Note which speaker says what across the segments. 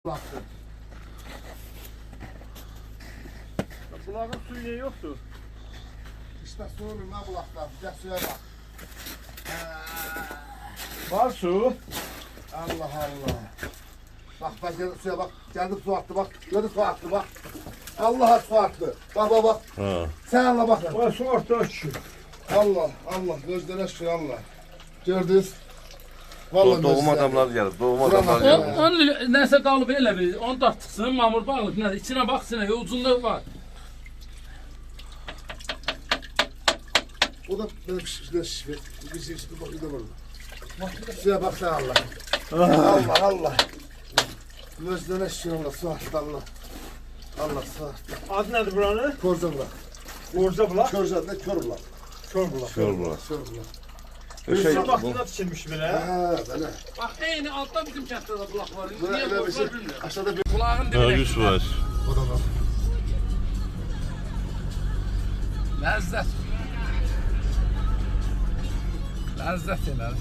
Speaker 1: Baktı.
Speaker 2: Bulağın suyu niye yoktu?
Speaker 1: İşte su olmuyor ha bulaklar. Gel suya bak.
Speaker 2: Var su.
Speaker 1: Allah Allah. Bak geldim suya bak. Geldim su attı bak. Gördün su attı bak. Allah'a su attı. Bak bak bak.
Speaker 3: Ha.
Speaker 1: Sen Allah bak.
Speaker 2: Var su orta şu.
Speaker 1: Allah Allah. Gözlerine şükür Allah. Gördünüz. Vallahi
Speaker 3: Doğum
Speaker 1: gözler.
Speaker 3: adamlar gelir. Doğum
Speaker 1: Buranın
Speaker 3: adamlar
Speaker 1: adamı.
Speaker 3: gelir.
Speaker 4: Onun nəsə qalıb elə bir, onu da tıxsın, mamur balıq nədir, içinə baxsın, uzunluğu var.
Speaker 1: O da benim şişme. Bir şey bak. Bir de burada. Suya bak sen Allah. Allah Allah. Gözlerine şükür Allah. Su attı Allah. Allah su attı.
Speaker 2: Adı nedir buranın?
Speaker 1: Korza bırak.
Speaker 2: Orza bulak.
Speaker 1: Körza ne kör bulak.
Speaker 2: Kör bulak.
Speaker 3: Kör bulak.
Speaker 1: Kör bulak.
Speaker 3: Şey,
Speaker 2: Su
Speaker 3: bu,
Speaker 2: vaxtında tikilmiş belə.
Speaker 1: Ha böyle.
Speaker 4: Bax, eyni altda bizim kənddə də bulaq var.
Speaker 1: Böyle
Speaker 4: Niyə
Speaker 1: öyle bir şey.
Speaker 4: bulaq bilmirəm.
Speaker 1: Aşağıda bir
Speaker 4: Bulağın
Speaker 3: ha,
Speaker 4: dibinə.
Speaker 3: 100 var.
Speaker 1: o da var.
Speaker 4: Ləzzət. Ləzzət elə.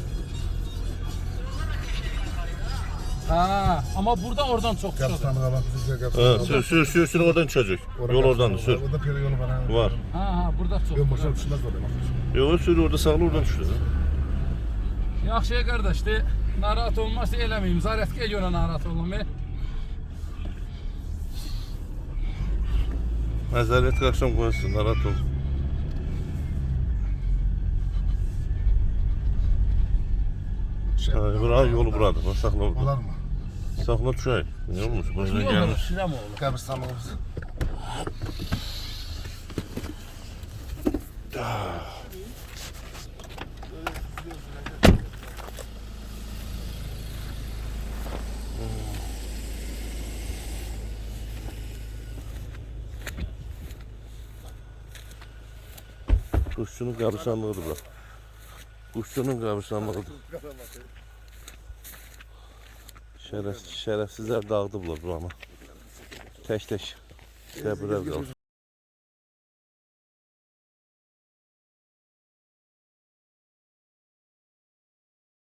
Speaker 4: Ha, amma burada oradan çox çıxır.
Speaker 1: Kaptanı kalan bizi
Speaker 3: Ha, sürsün oradan çocuk. Yol oradan sür.
Speaker 1: Orada piyade yolu var. Ha.
Speaker 3: Var.
Speaker 4: Ha, burada çox.
Speaker 1: Ben boşuna düşünmez oraya.
Speaker 3: Yok sür orada sağlı oradan düşür.
Speaker 4: Yaxşı qardaş, de, narahat olmazsa eləməyim. Zarətə görə narahat olmam.
Speaker 3: Məzəriyyət qaxşam qoyasın, narahat ol. Ha, bura yolu buradır. Bak saxla
Speaker 1: Olar
Speaker 3: orada.
Speaker 1: mı?
Speaker 3: Saxla düşək. Ne olmuş? Başına
Speaker 4: Yox,
Speaker 3: gelmiş.
Speaker 4: şirəm oğlu.
Speaker 1: Kabristanlığımız.
Speaker 3: Kuşçunun qabırsanlığıdır bura. Kuşçunun qabırsanlığıdır. Şərəfsizlər dağıdıblar buranı. Tək-tək. Səbirlər qalır.